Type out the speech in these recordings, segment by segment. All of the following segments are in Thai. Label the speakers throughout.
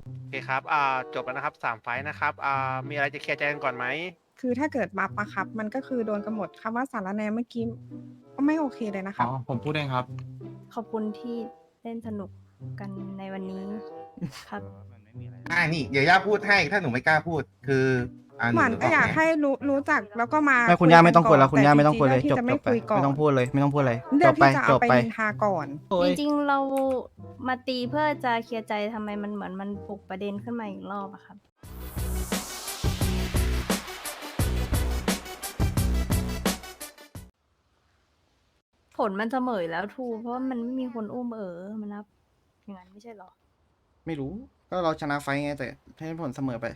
Speaker 1: โอเคครับจบแล้วนะครับ3ไฟต์นะครับมีอะไรจะเคลียร์ใจกันก่อนไหม
Speaker 2: คือถ้าเกิดบัฟอะครับมันก็คือโดนกันหมดคำว่าสารแหนเมื่อกี้ก็ไม่โอเคเลยนะค
Speaker 3: อ๋
Speaker 2: รั
Speaker 3: อบ ผมพูดเองครับ
Speaker 4: ขอบคุณที่เล่นสนุกกันในวันนี้ครับ
Speaker 5: นี่เดี๋ยวย่าพูดให้ถ้าหนูไม่กล้าพูดคือห
Speaker 2: ห
Speaker 5: นู
Speaker 2: วานก็อยากให้รู้จักแล้วก็มา
Speaker 6: ไม่คุณย่าไม่ต้องคุยแล้ว
Speaker 2: น
Speaker 6: คุณย่าไม่ต้องคุยเลย
Speaker 2: แต่
Speaker 6: จบ
Speaker 2: ที่จะ
Speaker 6: จ
Speaker 2: ไม่
Speaker 6: บไป
Speaker 2: คุยก่อน
Speaker 6: ไม่ต้องพูดเลยไม่ต้องพูดเลยจ
Speaker 2: เลือก
Speaker 6: บไป
Speaker 2: ที่จะ
Speaker 6: จ
Speaker 2: เอา
Speaker 6: บ
Speaker 2: ไป
Speaker 6: ไป
Speaker 2: นินทาก่อน
Speaker 4: จริงๆเรามาตีเพื่อจะเคลียร์ใจทำไมมันเหมือนมันปลุกประเด็นขึ้นมาอีกรอบอะครับ ผลมันเสมออยู่แล้วทูเพราะว่ามันไม่มีคนอุ้มมันนับอย่างนั้นไม่ใช่เหรอ
Speaker 6: ไม่รู้ก็เราชนะไฟท์ไงแต่ให้ผลเสมอไป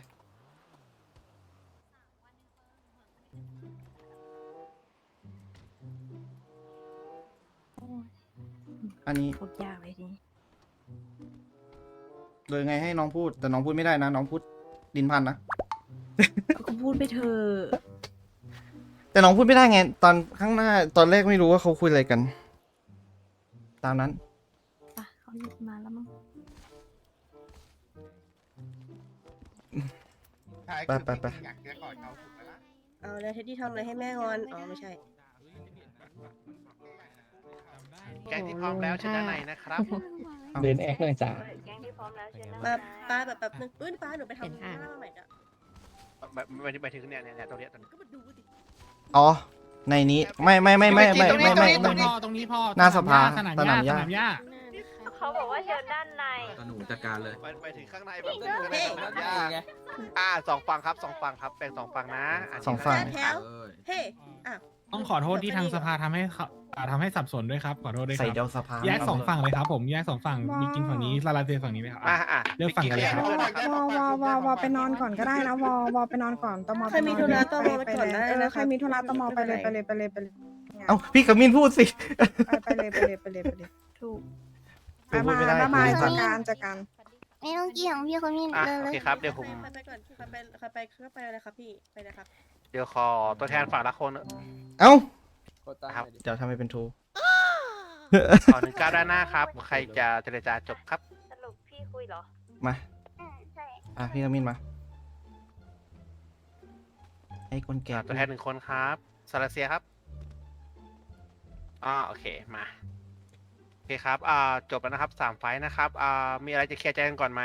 Speaker 4: โอ้ย
Speaker 6: อันนี้
Speaker 4: พูดยากเลยทีนี้
Speaker 6: เลยไงให้น้องพูดแต่น้องพูดไม่ได้นะน้องพูดดินพันนะ
Speaker 4: ก็พูดไปเถอะ
Speaker 6: แต่น้องพูดไม่ได้ไงตอนข้างหน้าตอนแรกไม่รู้ว่าเขาคุยอะไรกัน ตามนั้น
Speaker 4: ปะเขาหยุดมาแล้วมั้ง
Speaker 6: ไป
Speaker 5: อยากเจอก่อนเขาถูกไหมล่ะ
Speaker 7: เอาแล้วเท็ดดี้ทำอะไรให้แม่งอน อ๋อ ไม่ใช่
Speaker 1: แกงที่พร้อมแล้วชนะในนะครับ
Speaker 8: เดินแอคเลยจ้า
Speaker 4: แก๊งที่พร้อมแล้วเชิญนั่ง
Speaker 7: มาป้าแบบนึงปื้นป้าหนูไปทำข้าวใหม่จ้ะ
Speaker 1: ไปถึงเนี่ยตรงเนี้ย
Speaker 7: ก็มาดูสิ
Speaker 6: อ๋อในนี้ไม่
Speaker 1: ตรงนี้
Speaker 6: หน้าสภาสนามหญ้า
Speaker 4: เขาบอกว่าเชิญด้านใน
Speaker 3: หนูจัดการเลย
Speaker 1: ไปถึงข้างในแบบสองฝั่งครับแบ่ง2ฝั่งนะ
Speaker 6: สองฝั่ง
Speaker 7: แถว เฮ้อ้าว
Speaker 8: ต้องขอโทษที่ทางสภาทำให้สับสนด้วยครับ ขอโทษด้วยค
Speaker 6: ใส่
Speaker 8: รับ
Speaker 6: เดลสภา
Speaker 8: แยก2ฝั่งเลยครับผมแยก2ฝั่งมีกินฝั่งนี้ลาลาเซฝั่งนี้ไหมครับ เลือกฝั่งกันเลยครับ
Speaker 2: วอไปนอนก่อนก็ได้นะวอไปนอนก่อนตม
Speaker 7: ใครมีธุระตมไปก่อนได้นะ
Speaker 2: ใครมีธุระตมไปเลย
Speaker 6: เอ้าพี่กมินพูดสิ
Speaker 2: ไปเลย
Speaker 4: ถูก
Speaker 6: พูดไม่ได้
Speaker 2: บ๊ายบาย
Speaker 6: พูดไม่
Speaker 2: จั
Speaker 6: ได้
Speaker 2: ดการ
Speaker 9: ไม่ต้องเกี่ยงพี่คนนี้
Speaker 1: โอเคครับเดี๋ยวผม
Speaker 7: ไปก่อนไปเลยครับพี่ ไปเลยครับ
Speaker 1: เดี๋ยวขอตัวแทนฝั่งละคน
Speaker 6: เอ้า
Speaker 1: ครับ
Speaker 6: เดี๋ยวทำให้เป็นทู
Speaker 1: ขอ19ด้านหน้าครับใครจะเจรจาจบครับ
Speaker 4: สรุปพี่คุยเหรอ
Speaker 6: มา
Speaker 9: ใช่
Speaker 6: พี่กมินมาให้คนแก่
Speaker 1: ตัวแทน1คนครับซาลาเซียครับโอเคมาโอเคครับจบแล้วนะครับ3ไฟต์นะครับมีอะไรจะเคลียร์ใจกันก่อนไหม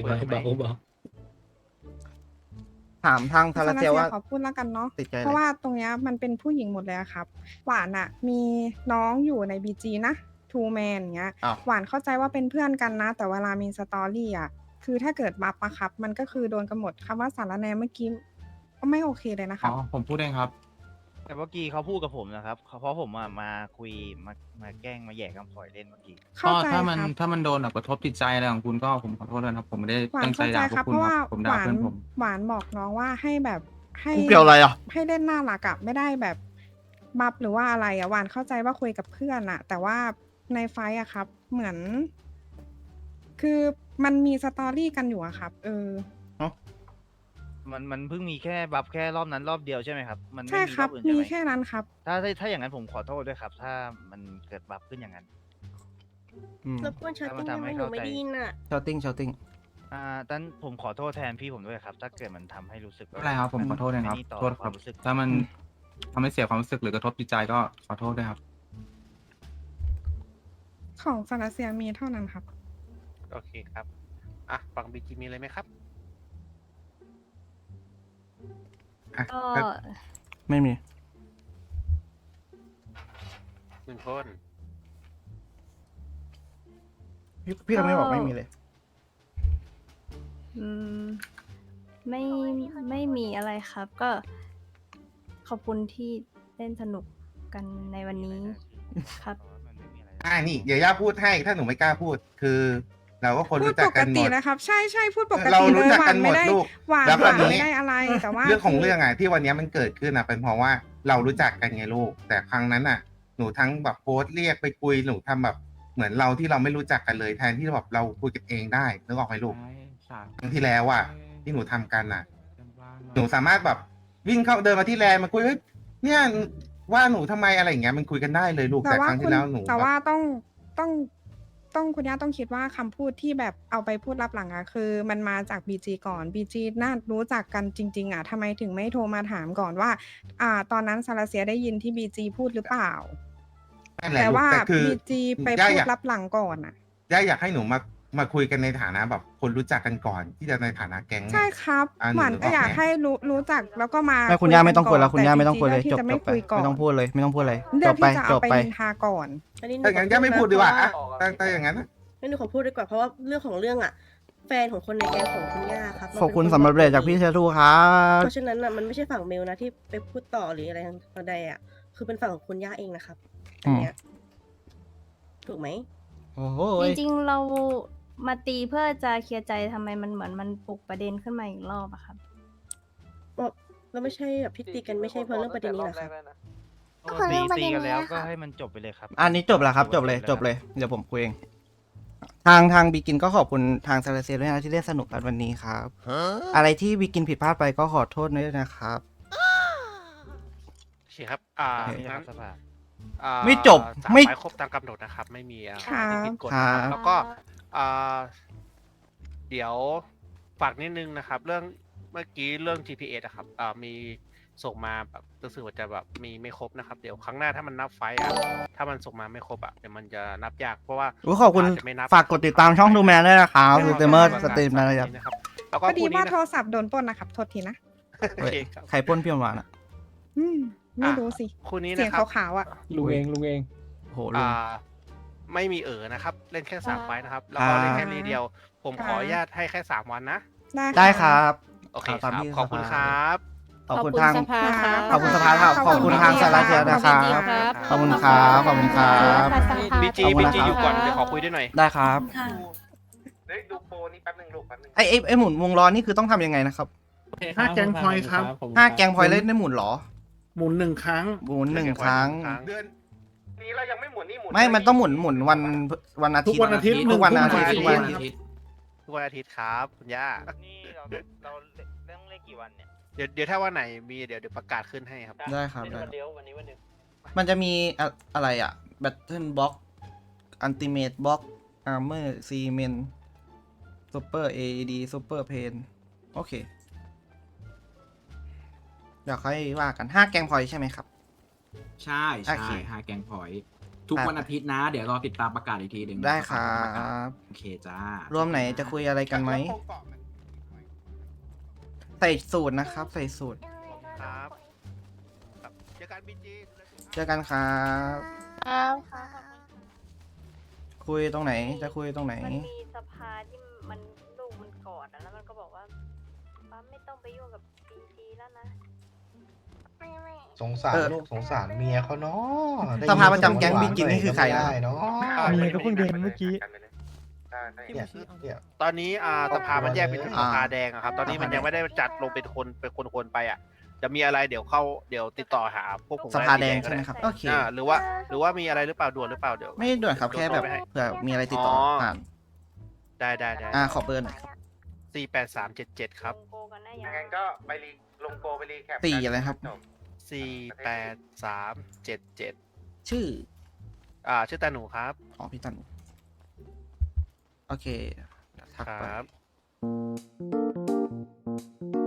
Speaker 6: ถามทางทาราเซียว่า
Speaker 2: ขอพูดแล้วกันเนาะ
Speaker 6: ติดใจ
Speaker 2: เพ
Speaker 6: อะไร
Speaker 2: ราะว่าตรงเนี้ยมันเป็นผู้หญิงหมดเลยอะครับ หวานอะมีน้องอยู่ในบีจีนะทูแมนอย่างเงี้ย
Speaker 6: อ้าว
Speaker 2: หวานเข้าใจว่าเป็นเพื่อนกันนะ แต่เวลามีสตอรี่อะคือถ้าเกิดบัฟอะครับ มันก็คือโดนกันหมดคำว่าสารแหนเมื่อกี้ก็ไม่โอเคเลยนะค
Speaker 3: อ๋
Speaker 2: รั
Speaker 3: อบ ผมพูดเองครับ
Speaker 10: แต่เมื่อกี้เขาพูดกับผมนะครับเพราะผมมาคุยมาแกล้งมาแย่คำฝอยเล่นเมื่อกี้
Speaker 2: เข้าใจ
Speaker 3: ถ้า
Speaker 2: ค
Speaker 3: มัน
Speaker 2: รับ
Speaker 3: ถ้ามันโดนแบบกระทบจิตใจอะไรของคุณก็ผมขอโทษด้วยนะครับ ผมไม่ได้
Speaker 2: หวาน
Speaker 3: ตั้งใจ
Speaker 2: เข้าใจ
Speaker 3: ด่าพว
Speaker 2: ครับ
Speaker 3: กคุ
Speaker 2: เพ
Speaker 3: ณ
Speaker 2: ราะ
Speaker 3: ค
Speaker 2: ว่า
Speaker 3: รับผม
Speaker 2: ห
Speaker 3: ด่าว
Speaker 2: าน
Speaker 3: เพื่อนผม
Speaker 2: หวานบอกน้องว่าให้แบบให้
Speaker 6: กูเกี่ยวอะไรอ่ะ
Speaker 2: ให้เล่นหน้ารักอะไม่ได้แบบบัฟหรือว่าอะไรอะหวานเข้าใจว่าคุยกับเพื่อนอะแต่ว่าในไฟท์อะครับ เหมือน คือมันมีสตอรี่กันอยู่อะครับ
Speaker 10: มันเพิ่งมีแค่บัฟแค่รอบนั้นรอบเดียวใช่ไหมครับ มันไม่
Speaker 2: ใช่
Speaker 10: มี
Speaker 2: ค
Speaker 10: ร
Speaker 2: รั
Speaker 10: อ
Speaker 2: บบ
Speaker 10: อื่น
Speaker 2: มี
Speaker 10: ใช่ไหม
Speaker 2: แค่นั้นครับ
Speaker 10: ถ้าอย่างนั้นผมขอโทษด้วยครับ ถ้ามันเกิดบัฟขึ้นอย่างนั้น
Speaker 7: รบกวนชาติ้งได้ไหมหนูไม่ได้ยินอ่ะ
Speaker 6: ชาวติ้ง
Speaker 10: ตั้นผมขอโทษแทนพี่ผมด้วยครับ ถ้าเกิดมันทำให้รู้สึก
Speaker 3: ไม่เป็นไรครับผมขอโทษนะครับ
Speaker 10: ไม่ดีต่อ
Speaker 3: โทษครับ
Speaker 10: ความรู้สึก
Speaker 3: ถ้ามันทำให้เสียความรู้สึกหรือกระทบจิตใจก็ขอโทษด้วยครับ
Speaker 2: ของซาลาเซียมีเท่านั้นครับ
Speaker 1: โอเคครับฝั่งบีจีมีอะไรไหมครับ
Speaker 4: ก็
Speaker 6: ไม่มี
Speaker 1: 1 คน
Speaker 6: พี่เราไม่บอกไม่มีเลย
Speaker 4: อืมไม่มีอะไรครับ ก็ขอบคุณที่เล่นสนุกกันในวันนี้ครับ
Speaker 5: นี่เดี๋ยวย่าพูดให้ถ้าหนูไม่กล้าพูดคือ เราก็คน
Speaker 2: พูด
Speaker 5: รู้จั
Speaker 2: ป
Speaker 5: ก
Speaker 2: ก
Speaker 5: กันหม
Speaker 2: ติ
Speaker 5: ด
Speaker 2: นะครับ ใช่พูดปก
Speaker 5: เรา
Speaker 2: ติเล
Speaker 5: รู้
Speaker 2: ย
Speaker 5: จัก
Speaker 2: หวา
Speaker 5: กัน นหม
Speaker 2: ไม่
Speaker 5: ด
Speaker 2: ได้
Speaker 5: ลูก
Speaker 2: หวาน
Speaker 5: แล้ว
Speaker 2: ห
Speaker 5: ก็
Speaker 2: วาน
Speaker 5: นี้
Speaker 2: ไม่ได้อะไรแต่ว่า
Speaker 5: เรื่องของเรื่องที่วันนี้มันเกิดขึ้นเป็นเพราะว่าเรารู้จักกันไงลูก แต่ครั้งนั้นหนูทั้งแบบโพสต์เรียกไปคุยหนูทำแบบเหมือนเราที่เราไม่รู้จักกันเลยแทนที่แบบเราคุยกันเองได้นึกออกไหมลูก ครั้งที่แล้วที่หนูทำกันหนูสามารถแบบวิ่งเข้าเดินมาที่แลนด์มาคุยเฮ้ยเนี่ยว่าหนูทำไมอะไรอย่างเงี้ยมันคุยกันได้เลยลูก
Speaker 2: แต่
Speaker 5: แต่ค
Speaker 2: ว่า
Speaker 5: รั้ง
Speaker 2: คุ
Speaker 5: ที่
Speaker 2: ณ
Speaker 5: แล้วหนู
Speaker 2: แต่ว่าต้องต้องคุณย่าต้องคิดว่าคำพูดที่แบบเอาไปพูดรับหลังอะคือมันมาจาก BG ก่อน BG น่ารู้จักกันจริง ๆอะทำไมถึงไม่โทรมาถามก่อนว่า ตอนนั้นซาลาเซียได้ยินที่ BG พูดหรือเปล่า
Speaker 5: นั่นแหละ
Speaker 2: แต่
Speaker 5: ลูก
Speaker 2: ว่า
Speaker 5: แต่คือ
Speaker 2: BG ไป
Speaker 5: ย่า
Speaker 2: พูด
Speaker 5: อยาก
Speaker 2: รับหลังก่อนอะ
Speaker 5: ย่าอยากให้หนูมาคุยกันในฐานะแบบคนรู้จักกันก่อน ที่จะในฐานะแก๊ง
Speaker 2: ใช่ครับ
Speaker 5: อ่า
Speaker 2: หวาน
Speaker 5: หนูนึก
Speaker 2: ก็
Speaker 5: ออก
Speaker 2: อยาก
Speaker 5: ไหม
Speaker 2: ให้รู้จักแล้วก็มา
Speaker 6: ไม่คุณย่าไม่ต้องคุยแล้ว
Speaker 2: น
Speaker 6: คุณย่าไม่ต้อง
Speaker 2: BG
Speaker 6: คุยเลย
Speaker 2: ลืกที่
Speaker 6: จบ
Speaker 2: จะ
Speaker 6: จ
Speaker 2: ไม่
Speaker 6: บไป
Speaker 2: คุยก่อน
Speaker 6: ไม่ต้องพูดเลยไม่ต้องพูดเลย
Speaker 2: เลื
Speaker 6: จ
Speaker 2: อก
Speaker 6: บไป
Speaker 2: ที่จะ
Speaker 6: จ
Speaker 2: เอา
Speaker 6: บ
Speaker 2: ไป
Speaker 6: ไป
Speaker 2: นินทาก่อน
Speaker 7: อันนี้หนู
Speaker 5: ถ้าอย่างนั้น
Speaker 7: ข
Speaker 5: ย่า
Speaker 7: พู
Speaker 5: ไม่พูดดีกว่า
Speaker 7: เพ
Speaker 5: อ่ะ
Speaker 7: ระ
Speaker 5: ถ้าอย่างนั้น
Speaker 7: งั้นหนูขอพูดดีกว่าเพราะว่าเรื่องของเรื่องอ่ะ แฟนของคนในแก๊งของคุณย่าครับมัน
Speaker 6: ขอบคุณ
Speaker 7: ป็นน
Speaker 6: สำหรับเรทจากพี่เชทูครับ
Speaker 7: เพราะฉะนั้นอ่ะมันไม่ใช่ฝั่งเมลนะที่ไปพูดต่อหรืออะไรทางใดอ่ะคือเป็นฝั่งของคุณย่าเองนะครับอันเนี้ยถูกไหม
Speaker 6: โอ้โห
Speaker 4: จริงๆเรามาตีเพื่อจะเคลียร์ใจทำไมมันเหมือนมันปลุกประเด็นขึ้นมาอีกรอบอะครับ
Speaker 7: เราไม่ใช่แบบพิตีกันไม่ใช่เพราะเรื่องประเด็นนี้เหรอครับ
Speaker 9: ก็คือเรื่องประ
Speaker 10: ตี
Speaker 9: เด็น
Speaker 10: กันแล้ว
Speaker 9: เนี้ย
Speaker 10: ก็
Speaker 9: ค่ะ
Speaker 10: ให้มันจบไปเลยครับ
Speaker 6: อันนี้จบแล้วครับ จบเลยจบเลยเดี๋ยวผมคุยเองทางบิกินก็ขอบคุณทางซาลาเซียด้วยนะที่เล่นสนุกกันวันนี้ครับ อะไรที่บิกินผิดพลาดไปก็ขอโทษด้วยนะครับ
Speaker 1: โอเคครับ
Speaker 10: โอเคค
Speaker 1: งั้
Speaker 10: รั
Speaker 1: น
Speaker 10: บสภา
Speaker 6: ไม่จบ
Speaker 1: สาม
Speaker 6: ไม่
Speaker 1: ไฟล์ครบตามกำหนดนะครับ ไม่มีอะไร
Speaker 2: ครับ
Speaker 1: ที่ผิดกฎ
Speaker 6: ครั
Speaker 1: นะครับ
Speaker 6: บ
Speaker 1: แล้วก็อ่าเดี๋ยวฝากนิดนึงนะครับ เรื่องเมื่อกี้เรื่อง GPS อะครับมีส่งมาแบบรู้สึกว่าจะแบบมีไม่ครบนะครับ เดี๋ยวครั้งหน้าถ้ามันนับไฟล์อะถ้ามันส่งมาไม่ครบอะเดี๋ยวมันจะนับยากเพราะว่า
Speaker 6: อุ๊ยขอบคุณ
Speaker 1: อาจจะไม่นับ
Speaker 6: ฝากกดติดตามช่องดูแมนด้วยนะครับสตรีมเมอร์สตรีม
Speaker 1: นะ
Speaker 6: นะครับ
Speaker 1: ครับแล้ว
Speaker 2: พ
Speaker 1: ก็
Speaker 2: อดี
Speaker 1: คู่นี้
Speaker 2: ว่า
Speaker 1: นะ
Speaker 2: โทรศัพท์โดนปล้นนะครับ โทษทีนะ
Speaker 1: โอเคครับ
Speaker 6: ใครปล้นพี่หวานอ่ะ
Speaker 2: ไม่รู้สิ
Speaker 1: คู่นี้
Speaker 2: เสีย
Speaker 1: นะ
Speaker 2: ง
Speaker 1: ครับ
Speaker 2: ขาวๆอ่ะ
Speaker 8: ลุงเองลุงเอง
Speaker 6: โอ้โหลุง
Speaker 1: ไม่มีนะครับ เล่นแค่3ไฟล์นะครับ แล้ว
Speaker 6: ครั
Speaker 1: ก็
Speaker 6: บ
Speaker 1: เล่นแค่รีเดียว ผม
Speaker 2: ครับ
Speaker 1: ขออนุญาตให้แค่3วันนะ
Speaker 6: ได้ครับ
Speaker 1: โอเคค
Speaker 6: ตา
Speaker 1: รั
Speaker 6: ม
Speaker 1: บ
Speaker 6: ที่
Speaker 1: ขอบคุณ
Speaker 6: ส
Speaker 1: ค
Speaker 6: ภา
Speaker 1: รับ
Speaker 6: ขอบคุณทาง
Speaker 7: สภาครับ
Speaker 6: ขอบคุณสภาครับขอบคุณทางสาราเซียนะครับ ขอบคุณครับขอบคุณครับ
Speaker 1: บีจี
Speaker 6: ขอบคุณ
Speaker 1: บี
Speaker 6: นะ
Speaker 1: จี
Speaker 6: ครับ
Speaker 1: อยู่ก่อนเดี๋ยวขอคุยด้วยหน่อย
Speaker 6: ได้ครับ
Speaker 5: เฮ้ยดูโปรนี่แป๊บนึงลูกแป๊บนึง
Speaker 6: ไอหมุนวงล้อนี่คือต้องทำยังไงนะครับ
Speaker 8: 5 แกงพอยต์ครับ
Speaker 6: 5 แกงพอยต์เล่นได้หมุนเหรอ
Speaker 8: หมุน1 ครั้ง
Speaker 6: หมุนหนึ่งครั้ง
Speaker 5: เดือนนี้เรายังไม่หมุนนี่หมุน
Speaker 6: ไม่มันต้องหมุนวันอาทิตย์
Speaker 8: ทุกวันอาทิตย์
Speaker 6: ทุกวันอาทิตย์
Speaker 8: หนึ่
Speaker 6: ทุ
Speaker 8: ง
Speaker 6: ก
Speaker 8: ทุ่
Speaker 6: วัน
Speaker 8: ม
Speaker 6: อาทิตย์
Speaker 1: ทุกวันอาทิตย์ครับคุณย่า
Speaker 10: นี่เราต้องเล่นกี่วันเนี่ย
Speaker 1: เดี๋ยวถ้าวันไหนมีเดี๋ยวประกาศขึ้นให้ครับ
Speaker 6: ได้ครับได้
Speaker 10: วันเดียววันนี้วันเดียว
Speaker 6: มันจะมีอะไรอ่ะ Battle Box Ultimate Box Armor Cement Super AED Super Pain โอเค เดี๋ยวค่อยว่ากัน 5 แกงพอยต์ใช่ไหมครับ
Speaker 11: ใช่
Speaker 6: โอ
Speaker 11: ใช่
Speaker 6: เค
Speaker 11: 5 แกงพอยต์ทุกวันอาทิตย์นะ เดี๋ยวรอติดตามประกาศอีกทีหนึ่ง
Speaker 6: ได้ครับ
Speaker 11: โอเคจ้าร
Speaker 6: วมไหนจะคุยอะไรกันไหม ใส่สูตรนะครับ ใส่สูตร
Speaker 1: ครับครับเจอกันบีจี
Speaker 6: เจอกันครับ
Speaker 9: ครับ
Speaker 6: คุยตรงไหน จะคุยตรงไหน
Speaker 4: มันมีสภาที่มันลูกมันกอดอะแล้วมันก็บอกว่าป้าไม่ต้องไปยุ่งกับบีจีแล้วนะ
Speaker 5: สงสารลูกสงสารเมียเขาเนาะ
Speaker 6: สภาประจำแก๊งบิ๊กจินนี่คือใครนะ
Speaker 5: ได้เนาะ
Speaker 1: เมียก็เพิ่งเดินเมื่อกี้
Speaker 5: เนี่ย
Speaker 1: ตอนนี้สภามันแยกเป็น
Speaker 6: อ่า
Speaker 1: สภาแดงอะครับ ตอนนี้มันยังไม่ได้จัดลงเป็นคนไปอ่ะ จะมีอะไรเดี๋ยวติดต่อหาพวกผม
Speaker 6: สภาแดง
Speaker 1: ก็
Speaker 6: ใช่ไหมครับ โอเค
Speaker 1: หรือว่ามีอะไรหรือเปล่าด่วนหรือเปล่าเดี๋ยว
Speaker 6: ไม่ด่วนครับ แค่แบบ
Speaker 1: โทรไปให้
Speaker 6: เผื่อมีอะไรติดต่อผ่าน
Speaker 1: ได้
Speaker 6: ขอเบอร์หน่อยครับ
Speaker 1: 48377ครับ
Speaker 4: โกกันนะอย่า
Speaker 5: งั้นก็ไปลงโปรไปรีแคป
Speaker 6: ตีอะไรครับ
Speaker 1: 48377
Speaker 6: ชื่อ
Speaker 1: ชื่อตาหนูครับ
Speaker 6: อ๋อพี่ตัน โอเคเดี๋ยวทัก
Speaker 1: ค
Speaker 6: ไป
Speaker 1: รับ